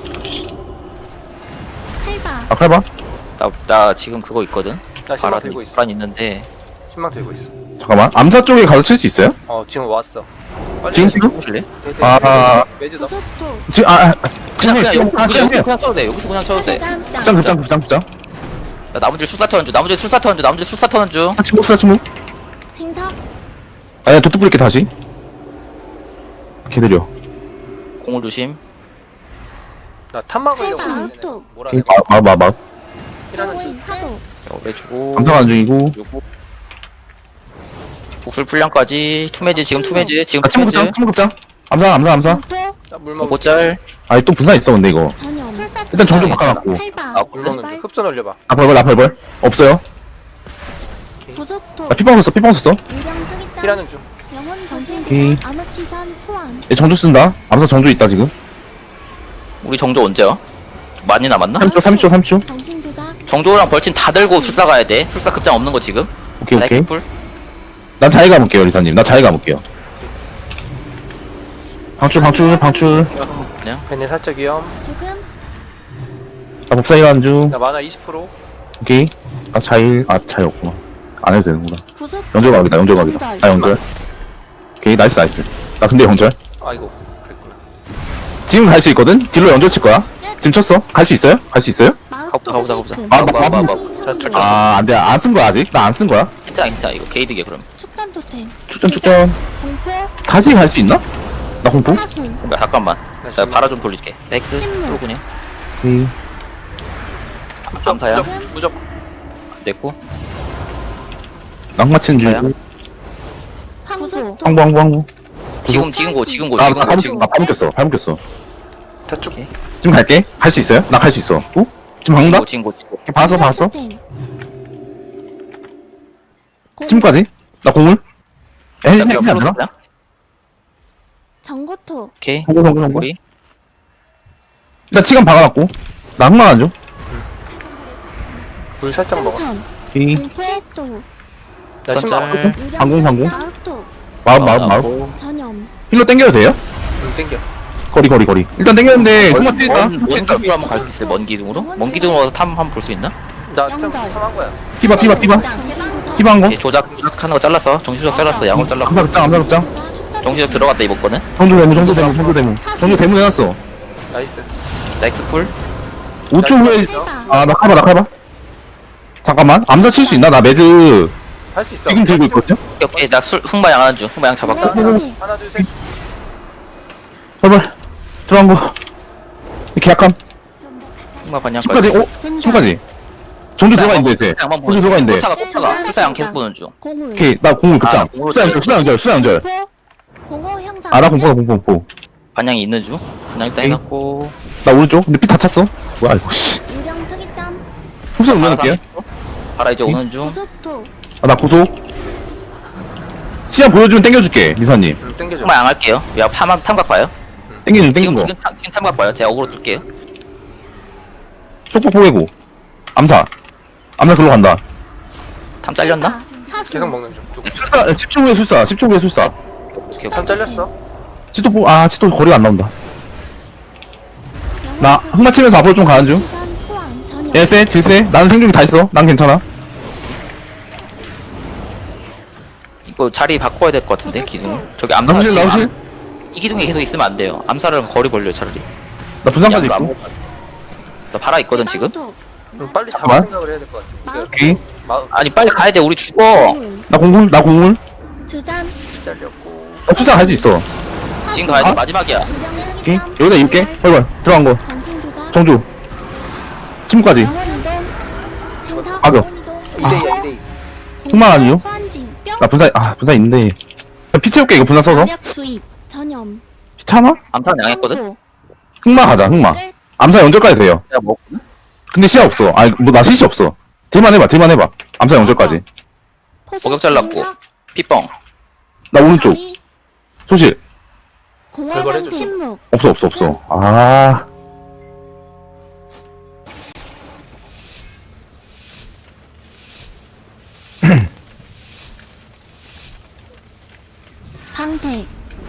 Speaker 4: 칼바.
Speaker 1: 아, 칼봐.
Speaker 3: 나, 나 지금 그거 있거든.
Speaker 2: 나 신망
Speaker 3: 바라
Speaker 2: 들고 있어.
Speaker 3: 불안 있는데.
Speaker 2: 신망 들고 있어.
Speaker 1: 잠깐만. 암사 쪽에 가서 칠 수 있어요?
Speaker 2: 어 지금 왔어. 빨리
Speaker 1: 지금
Speaker 2: 해.
Speaker 1: 지금?
Speaker 3: 보실래?
Speaker 2: 돼, 돼,
Speaker 1: 아,
Speaker 2: 돼, 돼. 매주 넣어.
Speaker 4: 구속토.
Speaker 1: 지금, 아, 아,
Speaker 3: 그냥
Speaker 1: 지금,
Speaker 3: 그냥
Speaker 1: 지금,
Speaker 3: 여기
Speaker 1: 아,
Speaker 3: 그냥
Speaker 1: 그냥,
Speaker 3: 여기서
Speaker 1: 그냥.
Speaker 3: 그냥 쳐도 돼. 여기서 그냥 쳐도 돼.
Speaker 4: 짠.
Speaker 1: 극장, 극장, 극장, 극장.
Speaker 3: 나 나머지 술사 터는 중. 나머지 술사 터는 중. 나머지 술사 터는 중.
Speaker 1: 아, 침묵, 사 침묵.
Speaker 4: 생석.
Speaker 1: 아야, 도트 뿌릴게, 다시. 기다려.
Speaker 3: 공을 조심.
Speaker 2: 나 탐막으려고.
Speaker 4: 칼바.
Speaker 2: 했는데
Speaker 4: 마우토.
Speaker 2: 뭐라
Speaker 1: 오케이,
Speaker 2: 해.
Speaker 1: 마, 마, 마, 마.
Speaker 2: 피라는 중.
Speaker 4: 영혼 파도.
Speaker 3: 빼주고.
Speaker 1: 암사가는 중이고.
Speaker 3: 요거. 복술 풀량까지. 투매즈 지금 투매즈 지금
Speaker 1: 아, 침묵 극장,
Speaker 3: 투매즈.
Speaker 1: 침묵 극장. 암사, 암사, 암사.
Speaker 4: 공포.
Speaker 2: 나물 먹.
Speaker 3: 고짤.
Speaker 1: 아니, 또 분산 있어, 근데 이거.
Speaker 4: 전염. 술사.
Speaker 1: 일단 정좀
Speaker 3: 괜찮아,
Speaker 1: 바꿔놨고.
Speaker 4: 칼바.
Speaker 3: 아,
Speaker 2: 물 먹는 중. 흡선 올려봐.
Speaker 1: 나 벌벌, 나 벌벌. 없어요.
Speaker 4: 구속토.
Speaker 1: 나 피빵 썼어, 피빵 썼어.
Speaker 4: 유령 특이장.
Speaker 2: 피라는 중.
Speaker 4: 영혼 정신
Speaker 1: 오케이.
Speaker 4: 조작. 아마치산 소환.
Speaker 1: 얘 정조 쓴다. 암사 정조 있다, 지금.
Speaker 3: 우리 정조 언제 와? 많이 남았나?
Speaker 1: 삼 초, 삼 초, 삼 초.
Speaker 4: 정신 조작.
Speaker 3: 정조랑 벌친 다 들고 술사 가야 돼. 술사 급장 없는 거 지금.
Speaker 1: 오케이, 오케이.
Speaker 3: 라이프풀.
Speaker 1: 난 자해 가볼게요, 리사님. 나 자해 가볼게요. 방출, 방출, 방출.
Speaker 3: 그냥.
Speaker 2: 괜히 살짝 위험.
Speaker 4: 죽음.
Speaker 1: 나 법사 일하는 중.
Speaker 2: 나 만화 이십 퍼센트.
Speaker 1: 오케이. 나 자일, 아, 자일 없구나. 안 해도 되는구나.
Speaker 4: 구속.
Speaker 1: 연결 각이다, 연결 각이다. 아, 연결. 오케이, 나이스, 나이스. 나 근데 연결.
Speaker 2: 아이고 그랬구나.
Speaker 1: 지금 갈 수 있거든? 딜로 연결 칠 거야. 지금 쳤어. 갈 수 있어요? 갈 수 있어요?
Speaker 3: 가보자, 가보자, 가보자.
Speaker 1: 아,
Speaker 3: 마, 마, 마, 마.
Speaker 4: 자,
Speaker 1: 아, 안 돼. 안 쓴 거야, 아직. 나 안 쓴 거야.
Speaker 3: 괜찮아, 괜찮아. 이거 게이드게 그럼.
Speaker 4: 축전 토템.
Speaker 1: 축전, 축전.
Speaker 4: 공포.
Speaker 1: 다시 갈 수 있나? 나 공포?
Speaker 4: 하순.
Speaker 3: 야, 잠깐만. 나 바라 좀 돌릴게. 넥스.
Speaker 4: 침묵.
Speaker 3: 풀군요.
Speaker 1: 오케이.
Speaker 3: 감사야.
Speaker 2: 무적, 무적.
Speaker 3: 안 됐고.
Speaker 1: 낙마친
Speaker 3: 자야.
Speaker 1: 중.
Speaker 4: 황소.
Speaker 1: 항구, 항구, 항구.
Speaker 3: 지금, 지금 고, 지금 고,
Speaker 1: 아,
Speaker 3: 지금
Speaker 1: 나
Speaker 3: 고,
Speaker 1: 발목,
Speaker 3: 지금
Speaker 1: 나 발목 꼈어. 발목 꼈어.
Speaker 2: 자축.
Speaker 3: 오케이.
Speaker 1: 지금 갈게. 갈 수 있어요? 나 갈 수 있어. 어? 지금
Speaker 3: 지금
Speaker 1: 방다?
Speaker 3: 고, 지금 고, 지금 고.
Speaker 1: 봤어, 봤어.
Speaker 4: 토템. 공-
Speaker 1: 지금까지? 나 공을? 에,
Speaker 3: 야,
Speaker 1: 해야
Speaker 3: 그냥
Speaker 1: 되나?
Speaker 3: 풀었어, 그냥?
Speaker 4: 전고토.
Speaker 3: 오케이.
Speaker 1: 성공, 성공, 성공.
Speaker 3: 우리
Speaker 1: 일단 치간 박아놨고. 나 흑마 안 줘.
Speaker 2: 물 살짝 먹어.
Speaker 4: 승천.
Speaker 1: 오케이.
Speaker 4: 공포도.
Speaker 2: 나 신발
Speaker 3: 짤.
Speaker 1: 방공, 방공.
Speaker 4: 마우토.
Speaker 1: 마음, 마음, 마음.
Speaker 3: 나오고.
Speaker 4: 전염.
Speaker 1: 힐러 땡겨도 돼요?
Speaker 2: 물 땡겨.
Speaker 1: 거리, 거리, 거리. 일단 땡겼는데, 흑마
Speaker 3: 먼,
Speaker 1: 뛰다.
Speaker 3: 먼, 먼 기둥으로 한번 갈 수 있어요, 먼 기둥으로? 먼 기둥으로 와서 탐 한번 볼 수 있나?
Speaker 2: 나 참,
Speaker 4: 영절.
Speaker 2: 참한 거야.
Speaker 1: 피바, 피바, 피바.
Speaker 4: 정신도전.
Speaker 1: 피바 한 거.
Speaker 3: 오케이, 조작, 조작하는 거 잘랐어. 정신조작 잘랐어, 양을 잘랐고.
Speaker 1: 암사 극장, 암사 극장.
Speaker 3: 정신조작 들어갔다, 이번 거는.
Speaker 1: 정조 대문, 정조 대문, 정조 대문. 정조 대문 해놨어.
Speaker 2: 나이스.
Speaker 3: 나이스 풀.
Speaker 1: 오 초 후에,
Speaker 4: 해봐.
Speaker 1: 아, 나 카바, 나 카바. 잠깐만. 암사 칠 수 있나? 나 매즈
Speaker 2: 할 수 있어.
Speaker 1: 지금 들고 있거든요?
Speaker 3: 오케이, 오케이, 나 술, 흑마 양하는 중. 흑마 양 잡았고.
Speaker 2: 하나, 둘, 셋.
Speaker 1: 제발. 들어간 거. 계약함.
Speaker 3: 흑마 반향까지.
Speaker 1: 십까지, 오? 십까지. 정조 들어가 있는데, 이제.
Speaker 3: 양만
Speaker 1: 정조 들어가 있는데.
Speaker 3: 쫓아가, 쫓아가. 술사 양 계속 보는 중.
Speaker 4: 공을.
Speaker 1: 오케이, 나 공을 극장.
Speaker 3: 아, 공을
Speaker 1: 수사 연결, 수사 연결, 수사 연결.
Speaker 4: 공포. 공허 형상.
Speaker 1: 아, 나 공포, 공포, 공포.
Speaker 3: 반향이 있는 중. 반향 일단
Speaker 1: 오케이.
Speaker 3: 해놨고.
Speaker 1: 나 오른쪽. 근데 피 다 찼어. 뭐야, 이거, 씨.
Speaker 4: 유령 특이점.
Speaker 1: 속성 올려놓을게요.
Speaker 3: 바라 이제
Speaker 1: 오케이.
Speaker 3: 오는 중.
Speaker 4: 구속토.
Speaker 1: 아, 나 구속. 시간 보여주면 땡겨줄게, 리사님.
Speaker 2: 물 땡겨줘.
Speaker 3: 흑마 양 할게요. 야, 탐, 탐각 봐요.
Speaker 1: 땡겨준,
Speaker 3: 지금,
Speaker 1: 땡긴 거.
Speaker 3: 지금, 탐, 지금 탐각 봐요. 제가 어그로 뜰게요.
Speaker 1: 쪽폭 포개고. 암사. 암사 글로 간다.
Speaker 3: 탐 잘렸나?
Speaker 4: 사수.
Speaker 2: 계속 먹는 중. 쭉.
Speaker 1: 술사, 십 초 후에 술사, 십 초 후에 술사.
Speaker 3: 오케이,
Speaker 2: 참 잘렸어.
Speaker 1: 치도 보, 아, 치도 거리가 안 나온다. 나 흑마 치면서 앞으로 좀 가는 중.
Speaker 4: 수산 소환 전염.
Speaker 1: 예세, 질세. 나는 생존이 다 있어. 난 괜찮아.
Speaker 3: 이거 자리 바꿔야 될 것 같은데, 기둥. 저기 암사.
Speaker 1: 나오실,
Speaker 3: 지금
Speaker 1: 나오실.
Speaker 3: 암- 이 기둥에 계속 있으면 안 돼요. 암사를 거리 벌려요, 차라리.
Speaker 1: 나 분산까지
Speaker 3: 야,
Speaker 1: 있고.
Speaker 3: 나 바라 있거든, 지금.
Speaker 4: 마우토.
Speaker 2: 음, 빨리 잡을
Speaker 1: 잠깐만.
Speaker 2: 생각을 해야 될 것 같아. 이거
Speaker 1: 오케이.
Speaker 2: 마,
Speaker 3: 아니, 빨리 가야 돼. 우리 죽어.
Speaker 4: 공을.
Speaker 1: 나 공물, 나 공물.
Speaker 4: 주잔.
Speaker 2: 잘렸고.
Speaker 1: 나 술사 할 수 있어.
Speaker 3: 지금 가야 돼.
Speaker 1: 아?
Speaker 3: 마지막이야.
Speaker 4: 유령
Speaker 1: 오케이.
Speaker 4: 특이점.
Speaker 1: 여기다 입게. 헐벌. 들어간 거.
Speaker 4: 정신 조작.
Speaker 1: 정조. 침묵까지.
Speaker 4: 영원 이동. 생사.
Speaker 1: 악역.
Speaker 4: 영원 이동.
Speaker 2: 이 대 이, 이 대 이.
Speaker 1: 흑마 아니요?
Speaker 4: 소환징. 뿅.
Speaker 1: 나 분산, 아, 분산 있는데. 피 채울게, 이거 분산 써서.
Speaker 4: 마력 주입. 전염.
Speaker 1: 피 차나?
Speaker 3: 암사는 양했거든?
Speaker 4: 항복.
Speaker 1: 흑마 가자, 흑마.
Speaker 4: 끝.
Speaker 1: 암사 연결까지 돼요.
Speaker 3: 내가 뭐,
Speaker 1: 근데 시야 없어. 아니, 뭐, 나 실시 없어. 딜만 해봐, 딜만 해봐. 암사 연결까지.
Speaker 4: 포석.
Speaker 3: 목욕 잘랐고.
Speaker 4: 공격.
Speaker 3: 피뻥.
Speaker 1: 나 오른쪽.
Speaker 4: 다리.
Speaker 1: 소실.
Speaker 2: 그걸
Speaker 4: 공허상
Speaker 2: 해줘.
Speaker 4: 침묵.
Speaker 1: 없어, 없어, 없어. 아.
Speaker 4: 방패.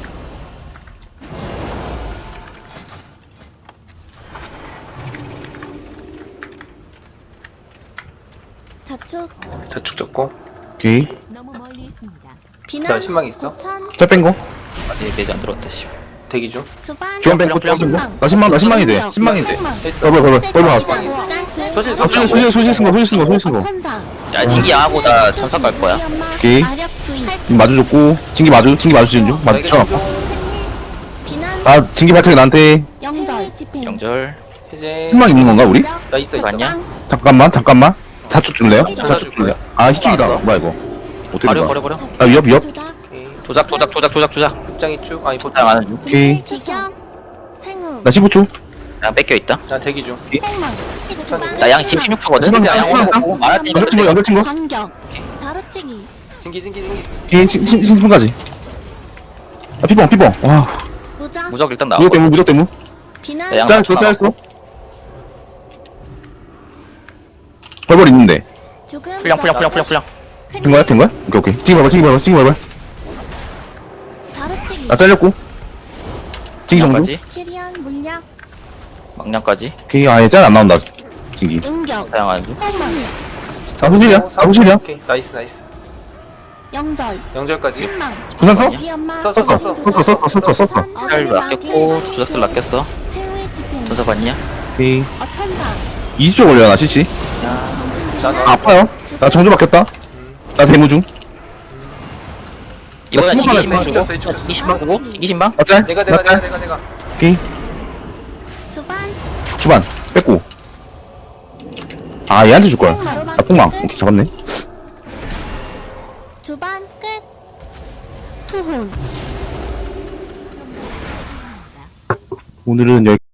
Speaker 4: 자축.
Speaker 2: 저축 줬고.
Speaker 1: 오케이.
Speaker 5: 너무 멀리 있습니다.
Speaker 4: 비난.
Speaker 2: 나 신망 있어?
Speaker 4: 고찬.
Speaker 1: 잘 뺀 거.
Speaker 3: 아직 매지 안 들어왔다, 씨.
Speaker 2: 대기 중.
Speaker 4: 수반.
Speaker 1: 주원 뺀 거, 주원 뺀 거. 나 신망, 나 신망이 돼. 신망이 돼.
Speaker 2: 했어.
Speaker 1: 얼굴, 얼굴, 얼굴 나왔어.
Speaker 2: 소실,
Speaker 1: 아, 소실, 소실, 소실 쓴 거, 소실 쓴 거, 소실 쓴 거.
Speaker 4: 천사.
Speaker 3: 야, 진기 양하고 나 전사 갈 거야.
Speaker 1: 오케이.
Speaker 4: 마력 주입.
Speaker 1: 지금 마주줬고. 진기 마주, 진기 마주치는 중. 마주
Speaker 2: 나에게
Speaker 1: 쳐.
Speaker 2: 중.
Speaker 4: 비난.
Speaker 1: 나 진기 발차기 나한테
Speaker 4: 영절. 집행.
Speaker 3: 영절.
Speaker 2: 해제.
Speaker 1: 신망 있는 건가, 우리?
Speaker 2: 나 있어, 있어.
Speaker 3: 맞냐?
Speaker 1: 잠깐만, 잠깐만. 자축 줄래요?
Speaker 2: 줄
Speaker 1: 자축 줄래요?
Speaker 2: 거야.
Speaker 1: 아, 희축이다. 뭐야, 이거. 어떻게
Speaker 3: 버려,
Speaker 1: 된
Speaker 3: 버려,
Speaker 1: 거야?
Speaker 3: 버려.
Speaker 1: 아, 위협, 위협?
Speaker 2: 오케이.
Speaker 3: 조작, 조작, 조작, 조작, 조작.
Speaker 2: 극장이 쭉. 아니, 보통.
Speaker 3: 양 하는 중.
Speaker 1: 오케이.
Speaker 4: 기경. 생우.
Speaker 1: 나 십오 초.
Speaker 3: 양 뺏겨있다.
Speaker 2: 나 대기 중.
Speaker 4: 생망.
Speaker 3: 나 양 지금 십육 초거든?
Speaker 1: 신망,
Speaker 3: 양
Speaker 1: 신망,
Speaker 3: 오는 거 말할 테니까
Speaker 1: 연결 친구, 연결 친구.
Speaker 4: 반격. 자루치기.
Speaker 2: 징기, 징기, 징기.
Speaker 1: 오케이, 신, 신, 신분까지. 아, 피봉, 피봉. 와,
Speaker 4: 무작.
Speaker 3: 무적 일단 나와.
Speaker 1: 무적 대무, 무적 대무.
Speaker 4: 비난.
Speaker 3: 네, 양
Speaker 1: 짤,
Speaker 3: 맞춰
Speaker 1: 그 짤했어.
Speaker 3: 나왔고.
Speaker 1: 벌벌 있는데.
Speaker 4: 죽음.
Speaker 3: 풀량, 풀량, 풀량, 풀량, 풀량.
Speaker 1: 된 거야, 된 거야? 오케이, 오케이. 찡기 벌벌, 찡기 벌벌, 찡기 벌벌.
Speaker 4: 자루치기.
Speaker 1: 나 잘렸고. 찡기 정도.
Speaker 3: 막량까지.
Speaker 4: 키리안 물약.
Speaker 3: 막량까지.
Speaker 1: 오케이, 아예 짤 안 나온다. 찡기.
Speaker 4: 응격.
Speaker 3: 사용하는 중.
Speaker 4: 호문.
Speaker 1: 아, 호실이야? 아, 호실이야?
Speaker 2: 오케이. 나이스, 나이스.
Speaker 4: 영절.
Speaker 2: 영절까지.
Speaker 4: 신망.
Speaker 1: 부산 써?
Speaker 4: 이 엄마.
Speaker 2: 썼어, 썼어,
Speaker 1: 썼어, 썼어, 썼어, 썼어.
Speaker 3: 잘 낚였고, 조작들 낚였어.
Speaker 4: 최후의 집행.
Speaker 3: 전사 봤냐?
Speaker 1: 오케이.
Speaker 4: 어천사.
Speaker 1: 이십 초 걸려나, 씨씨.
Speaker 2: 난
Speaker 1: 아, 아파요. 나 정조 바뀌었다. 나 대무 중.
Speaker 3: 이번엔
Speaker 1: 친구 하나
Speaker 3: 진기 신방
Speaker 2: 있어.
Speaker 3: 주고.
Speaker 2: 죽였어,
Speaker 3: 진기 신방 주고. 진기 신방.
Speaker 1: 나 짤.
Speaker 2: 내가, 내가,
Speaker 1: 나
Speaker 2: 내가,
Speaker 1: 짤.
Speaker 2: 내가, 내가.
Speaker 1: 오케이.
Speaker 4: 수반.
Speaker 1: 주반. 뺐고. 아, 얘한테 줄 거야. 나 폭망. 오케이, 잡았네.
Speaker 4: 주반 끝. 투혼.
Speaker 1: 오늘은 여기